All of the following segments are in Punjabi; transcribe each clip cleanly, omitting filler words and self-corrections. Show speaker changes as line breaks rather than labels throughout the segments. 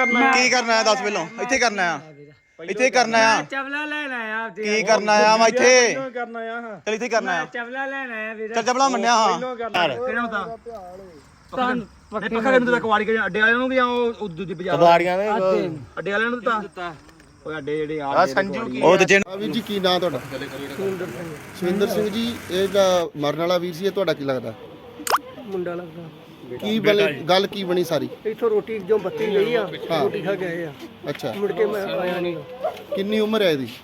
ਕੀ ਕਰਨਾ ਹੈ ਦੱਸ ਪਹਿਲਾਂ। ਇੱਥੇ ਕਰਨਾ ਆ, ਇੱਥੇ ਕਰਨਾ ਆ,
ਚਵਲਾ ਲੈਣ ਆਇਆ
ਕੀ ਕਰਨਾ ਆ ਮੈਂ ਇੱਥੇ
ਕਰਨਾ ਆ
ਚੱਲ ਇੱਥੇ ਕਰਨਾ ਆ।
ਚਵਲਾ ਲੈਣ ਆਇਆ ਵੀਰ
ਚੱਲ ਚਪਲਾ ਮੰਨਿਆ ਹਾਂ
ਕਿਹੜਾ ਹੁੰਦਾ
ਪੱਕੇ
ਪੱਖਾ ਨੂੰ ਤਾਂ ਕਵਾੜੀ ਕੇ ਅੱਡੇ ਵਾਲਿਆਂ ਨੂੰ ਵੀ ਉਹ ਦੂਜੀ ਬਾਜ਼ਾਰ
ਕਬਾੜੀਆਂ ਦੇ
ਅੱਡੇ ਵਾਲਿਆਂ ਨੂੰ ਦਿੱਤਾ ਓਏ ਅੱਡੇ ਜਿਹੜੇ ਆ
ਸੰਜੂ
ਉਹ ਤੇ
ਵੀਰ ਜੀ ਕੀ ਨਾਂ ਤੁਹਾਡਾ? ਸੁਰਿੰਦਰ ਸਿੰਘ ਜੀ। ਇਹ ਜਿਹੜਾ ਮਰਨ ਵਾਲਾ ਵੀਰ ਸੀ ਇਹ ਤੁਹਾਡਾ ਕੀ ਲੱਗਦਾ?
ਮੁੰਡਾ ਲੱਗਦਾ।
ਕੀ ਗੱਲ ਕੀ ਬਣੀ ਸਾਰੀ?
ਇੱਥੋਂ ਰੋਟੀ ਜੋ ਬੱਤੀ ਗਈ ਆ ਰੋਟੀ ਖਾ ਕੇ ਆਏ ਆ।
ਅੱਛਾ,
ਮੁੜ ਕੇ ਮੈਂ ਆਇਆ ਨਹੀਂ।
ਕਿੰਨੀ ਉਮਰ ਹੈ ਇਹਦੀ?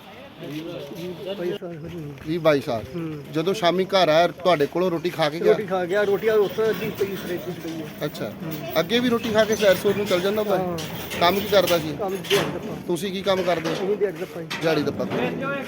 20-22 ਸਾਲ। ਜਦੋਂ ਸ਼ਾਮੀ ਘਰ ਆਇਆ ਤੁਹਾਡੇ ਕੋਲੋਂ ਰੋਟੀ ਖਾ ਕੇ ਗਿਆ?
ਰੋਟੀ ਖਾ ਗਿਆ। ਰੋਟੀ ਉੱਥੇ ਅੱਧੀ ਪਈ ਫਰਿੱਜ ਵਿੱਚ ਪਈ ਹੈ।
ਅੱਛਾ, ਅੱਗੇ ਵੀ ਰੋਟੀ ਖਾ ਕੇ ਸੈਰ ਸੂਰ ਨੂੰ ਚੱਲ ਜਾਂਦਾ ਵਾ? ਕੰਮ ਕੀ ਕਰਦਾ ਸੀ?
ਕੰਮ ਦਿਹਾੜੀ ਦਾ
ਤੁਸੀਂ ਕੀ ਕੰਮ ਕਰਦੇ?
ਅਸੀਂ ਦਿਹਾੜੀ ਦਾ ਪਾਈ।
ਦਿਹਾੜੀ ਦਾ ਪੱਕਾ।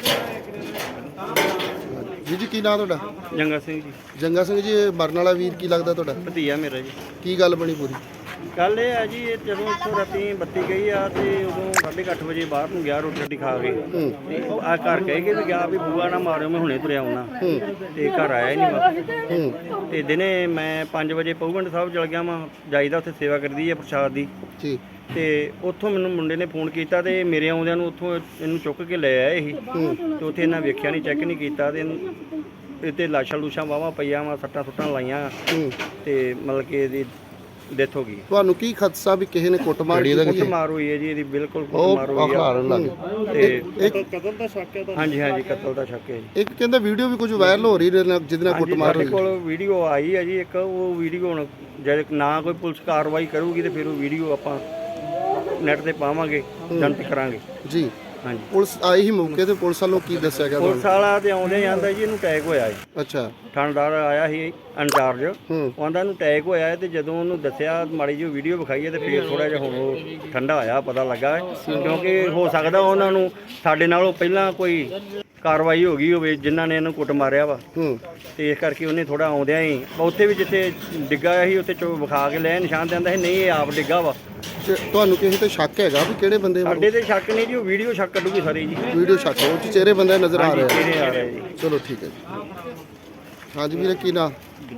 ਜੀ ਕੀ ਨਾਂ ਤੁਹਾਡਾ?
ਜੰਗਾ ਸਿੰਘ ਜੀ।
ਜੰਗਾ ਸਿੰਘ ਜੀ। ਇਹ ਮਰਨ ਵਾਲਾ ਵੀਰ ਕੀ ਲੱਗਦਾ ਤੁਹਾਡਾ?
ਭਤੀਆ ਮੇਰਾ ਜੀ।
ਕੀ ਗੱਲ ਬਣੀ ਪੂਰੀ?
ਗੱਲ ਇਹ ਹੈ ਜੀ, ਇਹ ਜਦੋਂ ਇੱਥੋਂ ਰਾਤੀ ਬੱਤੀ ਗਈ ਆ ਤੇ ਉਦੋਂ 8:30 ਵਜੇ ਬਾਹਰ ਨੂੰ ਗਿਆ ਰੋਟੀ ਰਾਟੀ ਖਾ ਕੇ ਤੇ ਆ ਘਰ ਕਹਿ ਕੇ ਵੀ ਗਿਆ ਵੀ ਬੂਆ ਨਾ ਮਾਰਿਓ ਮੈਂ ਹੁਣੇ ਤੁਰਿਆ ਆਉਣਾ ਤੇ ਘਰ ਆਇਆ ਹੀ ਨਹੀਂ ਵਾਪਸ। ਤੇ ਦਿਨੇ ਮੈਂ 5 ਵਜੇ ਪਊਗੰਡ ਸਾਹਿਬ ਚਲ ਗਿਆ ਵਾਂ, ਜਾਈਦਾ ਉੱਥੇ ਸੇਵਾ ਕਰਦੀ ਹੈ ਪ੍ਰਸ਼ਾਦ ਦੀ।
ਜੀ।
ਤੇ ਉੱਥੋਂ ਮੈਨੂੰ ਮੁੰਡੇ ਨੇ ਫੋਨ ਕੀਤਾ ਤੇ ਮੇਰੇ ਆਉਂਦਿਆਂ ਨੂੰ ਉੱਥੋਂ ਇਹਨੂੰ ਚੁੱਕ ਕੇ ਲੈ ਆਏ ਸੀ ਤੇ ਉੱਥੇ ਇਹਨਾਂ ਵੇਖਿਆ ਨਹੀਂ, ਚੈੱਕ ਨਹੀਂ ਕੀਤਾ ਤੇ ਇਹਤੇ ਲਾਸ਼ਾਂ ਲੂਸ਼ਾਂ ਵਾਹਵਾ ਪਈਆਂ ਵਾ, ਸੱਟਾਂ ਸੁੱਟਾਂ ਲਾਈਆਂ ਤੇ ਮਤਲਬ ਕਿ ਇਹਦੀ ਡੈਥ ਹੋ ਗਈ।
ਤੁਹਾਨੂੰ ਕੀ ਖਦਸ਼ਾ ਵੀ ਕਿਸੇ ਨੇ ਕੁੱਟਮਾਰ
ਕੁੱਟਮਾਰ ਹੋਈ ਹੈ ਜੀ ਇਹਦੀ? ਬਿਲਕੁਲ ਕੁੱਟਮਾਰ ਹੋਈ ਆ ਤੇ ਕਤਲ ਦਾ ਸ਼ੱਕ ਹੈ। ਹਾਂਜੀ ਹਾਂਜੀ, ਕਤਲ ਦਾ ਸ਼ੱਕ ਹੈ ਜੀ।
ਇੱਕ ਕਹਿੰਦਾ ਵੀਡੀਓ ਵੀ ਕੁਝ ਵਾਇਰਲ ਹੋ ਰਹੀ ਜਿਹਦੇ ਨਾਲ ਕੁੱਟਮਾਰ ਹੋਈ।
ਸਾਡੇ ਕੋਲ ਵੀਡੀਓ ਆਈ ਹੈ ਜੀ ਇੱਕ। ਉਹ ਵੀਡੀਓ ਹੁਣ ਜਦ ਨਾ ਕੋਈ ਪੁਲਿਸ ਕਾਰਵਾਈ ਕਰੂਗੀ ਤੇ ਫਿਰ ਉਹ ਵੀਡੀਓ ਆਪਾਂ ਨੈਟ ਤੇ ਪਾਵਾਂਗੇ, ਜਨਤਕ ਕਰਾਂਗੇ ਜੀ। ਹਾਂਜੀ,
ਪੁਲਿਸ ਆਈ ਹੀ ਮੌਕੇ ਤੇ ਪੁਲਿਸ ਵੱਲੋਂ ਕੀ ਦੱਸਿਆ ਗਿਆ?
ਪੁਲਿਸ ਵਾਲਾ ਤੇ ਆਉਂਦੇ ਜਾਂਦਾ ਜੀ ਇਹਨੂੰ ਅਟੈਕ ਹੋਇਆ ਜੀ।
ਅੱਛਾ,
ਥਾਣੇਦਾਰ ਆਇਆ ਸੀ ਇੰਚਾਰਜ, ਉਹਦਾ ਇਹਨੂੰ ਅਟੈਕ ਹੋਇਆ ਤੇ ਜਦੋਂ ਉਹਨੂੰ ਦੱਸਿਆ ਮਾੜੀ ਜਿਹੀ ਵੀਡੀਓ ਵਿਖਾਈ ਤੇ ਫਿਰ ਥੋੜਾ ਜਿਹਾ ਹੁਣ ਉਹ ਠੰਡਾ ਹੋਇਆ, ਪਤਾ ਲੱਗਾ ਕਿਉਂਕਿ ਹੋ ਸਕਦਾ ਉਹਨਾਂ ਨੂੰ ਸਾਡੇ ਨਾਲੋਂ ਪਹਿਲਾਂ ਕੋਈ ਕਾਰਵਾਈ ਹੋ ਗਈ ਹੋਵੇ ਜਿਨ੍ਹਾਂ ਨੇ ਇਹਨੂੰ ਕੁੱਟ ਮਾਰਿਆ ਵਾ ਤੇ ਇਸ ਕਰਕੇ ਉਹਨੇ ਥੋੜਾ ਆਉਂਦਿਆਂ ਹੀ ਉੱਥੇ ਵੀ ਜਿੱਥੇ ਡਿੱਗਾ ਸੀ ਉੱਥੇ ਚੋ ਵਿਖਾ ਕੇ ਲੈ ਨਿਸ਼ਾਨ ਦਿੰਦਾ ਸੀ ਨਹੀਂ ਇਹ ਆਪ ਡਿੱਗਾ ਵਾ।
ਤੁਹਾਨੂੰ ਕਿਸੇ ਤੇ ਸ਼ੱਕ ਹੈਗਾ ਵੀ ਕਿਹੜੇ ਬੰਦੇ?
ਸਾਡੇ ਤੇ ਸ਼ੱਕ ਨਹੀਂ ਜੀ, ਉਹ ਵੀਡੀਓ ਸ਼ੱਕ ਕੱਢੂਗੀ ਸਾਰੀ ਜੀ।
ਵੀਡੀਓ ਸ਼ੱਕ ਉਹ ਚਿਹਰੇ ਬੰਦੇ ਨਜ਼ਰ ਆ ਰਹੇ
ਚਿਹਰੇ ਆ ਰਹੇ ਜੀ।
ਚਲੋ ਠੀਕ ਹੈ ਜੀ। ਹਾਂਜੀ ਵੀਰੇ ਕੀ ਨਾਂ?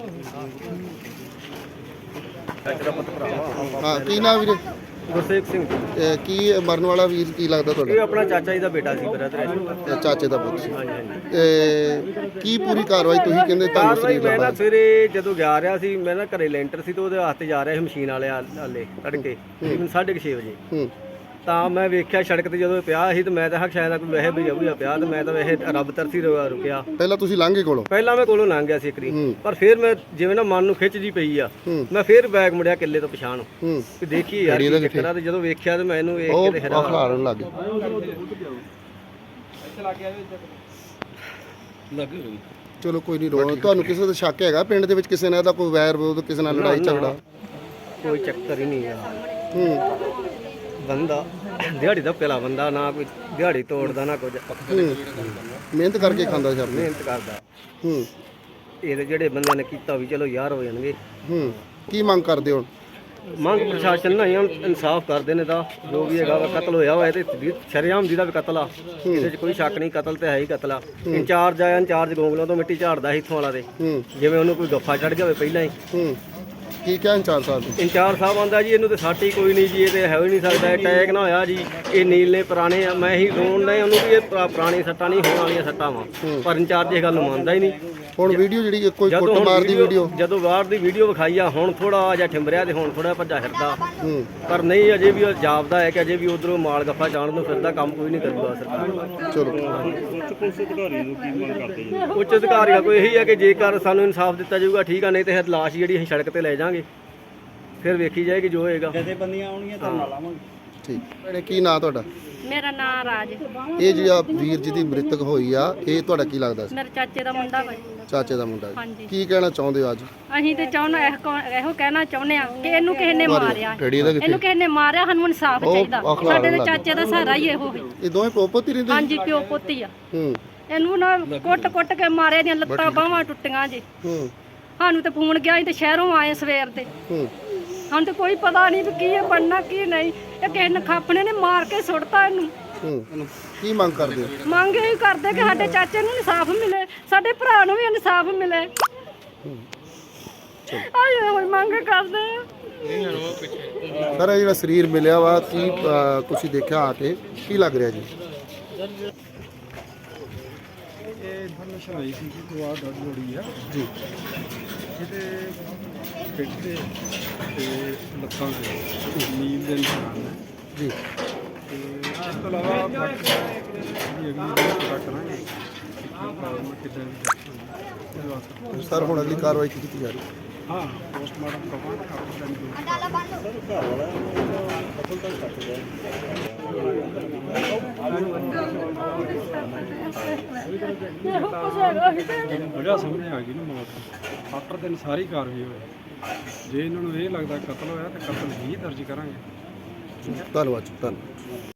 ਹਾਂ ਕੀ ਨਾਂ ਵੀਰੇ?
ਗੁਰਸੇਵ ਸਿੰਘ।
ਕੀ ਮਰਨ ਵਾਲਾ ਵੀਰ ਕੀ ਲੱਗਦਾ
ਇਹ
ਤੁਹਾਡਾ?
ਆਪਣਾ ਚਾਚਾ ਜੀ ਦਾ ਬੇਟਾ ਸੀ, ਬ੍ਰਦਰ।
ਚਾਚੇ ਦਾ ਪੁੱਤ ਸੀ।
ਹਾਂਜੀ ਹਾਂਜੀ।
ਕੀ ਪੂਰੀ ਕਾਰਵਾਈ ਤੁਸੀਂ ਕਹਿੰਦੇ ਤੁਹਾਨੂੰ ਸਰੀਰ
ਮੈਂ ਨਾ
ਲੱਭਾ?
ਸਵੇਰੇ ਜਦੋਂ ਜਾ ਰਿਹਾ ਸੀ, ਮੈਂ ਨਾ ਘਰੇ ਲੈਂਟਰ ਸੀ ਤੇ ਉਹਦੇ ਵਾਸਤੇ ਜਾ ਰਿਹਾ ਸੀ ਮਸ਼ੀਨ ਵਾਲੇ ਆਲੇ ਤੜਕੇ ਤਕਰੀਬਨ 6:30 ਵਜੇ। ਤਾਂ ਮੈਂ ਵੇਖਿਆ ਸੜਕ ਤੇ ਜਦੋਂ ਪਿਆ ਸੀ ਤੇ ਮੈਂ ਤਾਂ ਸ਼ਾਇਦ ਕੋਈ ਵੈਸੇ ਬਜੂਆ ਪਿਆ ਤੇ ਮੈਂ ਤਾਂ ਵੈਸੇ ਰੱਬ ਤਰਸੀ ਰੁਕਿਆ।
ਪਹਿਲਾਂ ਤੁਸੀਂ ਲੰਘੇ ਕੋਲੋਂ?
ਪਹਿਲਾਂ ਮੈਂ ਕੋਲੋਂ ਲੰਘ ਗਿਆ ਸੀ ਇੱਕ ਵਾਰੀ, ਪਰ ਫਿਰ ਮੈਂ ਜਿਵੇਂ ਨਾ ਮਨ ਨੂੰ ਖਿੱਚ ਜੀ ਪਈ ਆ, ਮੈਂ ਫਿਰ ਬੈਗ ਮੁੜਿਆ ਕਿੱਲੇ ਤੋਂ ਪਛਾਣ ਤੇ ਦੇਖੀ ਯਾਰ ਕੀ ਚੱਕਰ ਆ। ਤੇ ਜਦੋਂ ਵੇਖਿਆ ਤੇ ਮੈਨੂੰ ਵੇਖ ਕੇ ਤੇ
ਖਲਾਰਨ ਲੱਗ ਗਏ। ਚਲੋ ਕੋਈ ਨਹੀਂ ਰੋ। ਤੁਹਾਨੂੰ ਕਿਸੇ ਦਾ ਸ਼ੱਕ ਹੈਗਾ ਪਿੰਡ ਦੇ ਵਿੱਚ ਕਿਸੇ ਨਾਲ ਇਹਦਾ ਕੋਈ ਵੈਰ ਵਿਰੋਧ, ਕਿਸੇ ਨਾਲ ਲੜਾਈ ਝਗੜਾ?
ਕੋਈ ਚੱਕਰ ਹੀ ਨਹੀਂ ਆ। ਬੰਦਾ ਦਿਹਾੜੀ ਦਾ ਪਹਿਲਾ ਬੰਦਾ, ਨਾ ਕੋਈ ਦਿਹਾੜੀ ਤੋੜਦਾ ਨਾ ਕੁਝ,
ਮਿਹਨਤ ਕਰਕੇ ਖਾਂਦਾ ਸਰ।
ਮਿਹਨਤ ਕਰਦਾ। ਇਹਦੇ ਜਿਹੜੇ ਬੰਦਿਆਂ ਨੇ ਕੀਤਾ ਵੀ ਚਲੋ ਯਾਰ ਹੋ ਜਾਣਗੇ।
ਕੀ ਮੰਗ ਕਰਦੇ ਹੋ?
ਮੰਗ ਪ੍ਰਸ਼ਾਸਨ ਨਾਲ ਇਨਸਾਫ ਕਰਦੇ ਨੇ ਤਾਂ ਜੋ ਵੀ ਹੈਗਾ ਕਤਲ ਹੋਇਆ ਹੋਇਆ ਤੇ ਸ਼ਰੇਆਮ ਜਿਹਦਾ ਵੀ ਕਤਲ ਆ, ਇਹਦੇ 'ਚ ਕੋਈ ਸ਼ੱਕ ਨਹੀਂ, ਕਤਲ ਤੇ ਹੈ ਹੀ ਕਤਲ ਆ। ਇੰਚਾਰਜ ਆਇਆ, ਇੰਚਾਰਜ ਗੋਂਗਲੋਂ ਤੋਂ ਮਿੱਟੀ ਝਾੜਦਾ ਸੀ ਇੱਥੋਂ ਵਾਲਾ ਦੇ, ਜਿਵੇਂ ਉਹਨੂੰ ਕੋਈ ਗੱਫਾ ਚੜ ਗਿਆ ਹੋਵੇ ਪਹਿਲਾਂ ਹੀ।
ਕੀ ਕਿਹਾ ਇੰਚਾਰਜ ਸਾਹਿਬ?
ਇੰਚਾਰਜ ਸਾਹਿਬ ਆਂਦਾ ਜੀ ਇਹਨੂੰ ਤੇ ਸੱਟ ਹੀ ਕੋਈ ਨਹੀਂ ਜੀ, ਇਹ ਤੇ ਹੈ ਹੀ ਨਹੀਂ ਸਕਦਾ, ਅਟੈਕ ਨਾ ਹੋਇਆ ਜੀ, ਇਹ ਨੀਲ ਨੇ ਪੁਰਾਣੇ ਆ। ਮੈਂ ਹੀ ਰੋਣ ਨਹੀਂ ਉਹਨੂੰ ਵੀ ਇਹ ਪੁਰਾਣੀ ਸੱਟਾਂ ਨਹੀਂ ਹੋਣ ਵਾਲੀਆਂ ਸੱਟਾਂ ਵਾ, ਪਰ ਇੰਚਾਰਜ ਇਹ ਗੱਲ ਨੂੰ ਮੰਨਦਾ ਹੀ ਨਹੀਂ।
ਹੁਣ ਵੀਡੀਓ ਜਿਹੜੀ ਕੋਈ ਕੁੱਟਮਾਰ ਦੀ ਵੀਡੀਓ,
ਜਦੋਂ ਬਾਹਰ ਦੀ ਵੀਡੀਓ ਵਿਖਾਈ ਆ, ਹੁਣ ਥੋੜਾ ਜਿਹਾ ਠਿੰਬਰਿਆ ਤੇ ਹੁਣ ਥੋੜਾ ਭੱਜਾ ਫਿਰਦਾ, ਪਰ ਨਹੀਂ ਅਜੇ ਵੀ ਜਾਪਦਾ ਹੈ ਕਿ ਅਜੇ ਵੀ ਉਧਰੋਂ ਮਾਲ ਗੱਫਾ ਜਾਣ ਨੂੰ ਫਿਰਦਾ, ਕੰਮ ਕੋਈ ਨਹੀਂ ਕਰੂਗਾ ਸਰਕਾਰ।
ਚਲੋ
ਉੱਚ ਅਧਿਕਾਰੀਆਂ ਕੋਈ ਇਹੀ ਹੈ ਕਿ ਜੇਕਰ ਸਾਨੂੰ ਇਨਸਾਫ ਦਿੱਤਾ ਜਾਊਗਾ ਠੀਕ ਆ, ਨਹੀਂ ਤੇ ਲਾਸ਼ ਜਿਹੜੀ ਅਸੀਂ ਸੜਕ ਤੇ ਲੈ ਜਾਾਂਗੇ, ਫਿਰ ਵੇਖੀ ਜਾਏਗੀ ਜੋ ਹੋਏਗਾ।
ਜਥੇਬੰਦੀਆਂ ਆਉਣਗੀਆਂ ਤਾਂ ਨਾਲ ਆਵਾਂਗੇ।
ਠੀਕ ਭੈਣੇ ਕੀ ਨਾਂ ਤੁਹਾਡਾ?
ਮੇਰਾ ਨਾਂ ਰਾਜ।
ਇਹ ਜਿਹੜਾ ਵੀਰ ਜੀ ਦੀ ਮ੍ਰਿਤਕ ਹੋਈ ਆ, ਇਹ ਤੁਹਾਡਾ ਕੀ ਲੱਗਦਾ ਸੀ?
ਮੇਰੇ ਚਾਚੇ ਦਾ ਮੁੰਡਾ ਵਾ।
ਚਾਚੇ ਦਾ ਮੁੰਡਾ।
ਹਾਂਜੀ।
ਕੀ ਕਹਿਣਾ ਚਾਹੁੰਦੇ ਹੋ ਅੱਜ?
ਅਸੀਂ ਤੇ ਚਾਹੁੰਦੇ ਇਹੋ ਕਹਿਣਾ ਚਾਹੁੰਦੇ ਆ ਕਿ ਇਹਨੂੰ ਕਿਸੇ ਨੇ ਮਾਰਿਆ, ਇਹਨੂੰ ਕਿਸੇ ਨੇ ਮਾਰਿਆ, ਸਾਨੂੰ ਇਨਸਾਫ ਚਾਹੀਦਾ। ਸਾਡੇ ਦੇ ਚਾਚੇ ਦਾ ਸਹਾਰਾ ਹੀ ਇਹੋ ਹੈ।
ਇਹ ਦੋਵੇਂ ਪੋਪੋਤੀ ਰਹਿੰਦੇ?
ਹਾਂਜੀ, ਪਿਓ ਪੁੱਤੀ ਆ। ਇਹਨੂੰ ਨਾ ਕੁੱਟ ਕੇ ਮਾਰਿਆ, ਦੀਆਂ ਲੱਤਾਂ ਬਾਹਾਂ ਟੁੱਟੀਆਂ ਜੀ। ਸਾਨੂੰ ਤੇ ਫੋਨ ਗਿਆ, ਅਸੀਂ ਤੇ ਸ਼ਹਿਰੋਂ ਆਏ ਸਵੇਰ ਤੇ, ਸਾਨੂੰ ਤੇ ਕੋਈ ਪਤਾ ਨਹੀਂ ਵੀ ਕੀ ਬਣਨਾ ਕੀ ਨਹੀਂ। ਇਹ ਕਿਸੇ ਨੇ ਖਾਪਣੇ ਨੇ ਮਾਰ ਕੇ ਸੁੱਟਤਾ ਇਹਨੂੰ।
ਕੀ ਮੰਗ ਕਰਦੇ ਹੋ?
ਮੰਗ ਇਹ ਕਰਦੇ ਕਿ ਸਾਡੇ ਚਾਚੇ ਨੂੰ ਇਨਸਾਫ ਮਿਲੇ, ਸਾਡੇ ਭਰਾ ਨੂੰ ਵੀ ਇਨਸਾਫ ਮਿਲੇ। ਆਏ ਹੋਏ ਮੰਗ ਕਰਦੇ।
ਸਰ ਇਹ ਜਿਹੜਾ ਸਰੀਰ ਮਿਲਿਆ ਵਾ ਕੀ ਤੁਸੀਂ ਦੇਖਿਆ ਆ ਕੇ ਕੀ ਲੱਗ ਰਿਹਾ ਜੀ?
ਇਹ ਇਨਫੋਰਮੇਸ਼ਨ ਆਈ ਸੀ ਕਿ ਦੁਆ ਡੱਡ ਬੋੜੀ ਆ
ਜੀ
ਇਹਦੇ ਪਿੱਠ ਤੇ ਲੱਤਾਂ ਤੇ ਨੀਂਦ ਦੇ ਨਿਸ਼ਾਨ ਨੇ
ਜੀ
ਤੇ ਇਸ ਤੋਂ ਇਲਾਵਾ ਬਾਕੀ ਜਿਹੜੀ ਅਗਲੀ ਵੀਡੀਓ ਪਤਾ ਕਰਾਂਗੇ ਕਿ ਕਾਰਨ ਕਿੱਦਾਂ ਦੀ death ਹੋਈ ਉਹਦੇ ਵਾਸਤੇ।
ਸਰ ਹੁਣ ਅਗਲੀ ਕਾਰਵਾਈ ਕੀ ਕੀਤੀ ਜਾ ਰਹੀ ਹੈ?
ਹਾਂ ਪੋਸਟਮਾਰਟਮ ਕਰਵਾਉਣਾ ਕਾਰਨ ਵਜ੍ਹਾ ਸਾਹਮਣੇ ਆ ਗਈ ਨਾ ਮੌਤ ਆਫਟਰ ਦਿਨ ਸਾਰੀ ਕਾਰਵਾਈ ਹੋਈ। ਜੇ ਇਹਨਾਂ ਨੂੰ ਇਹ ਲੱਗਦਾ ਕਤਲ ਹੋਇਆ ਤਾਂ ਕਤਲ ਹੀ ਦਰਜ ਕਰਾਂਗੇ।
ਧੰਨਵਾਦ ਜੀ, ਧੰਨਵਾਦ।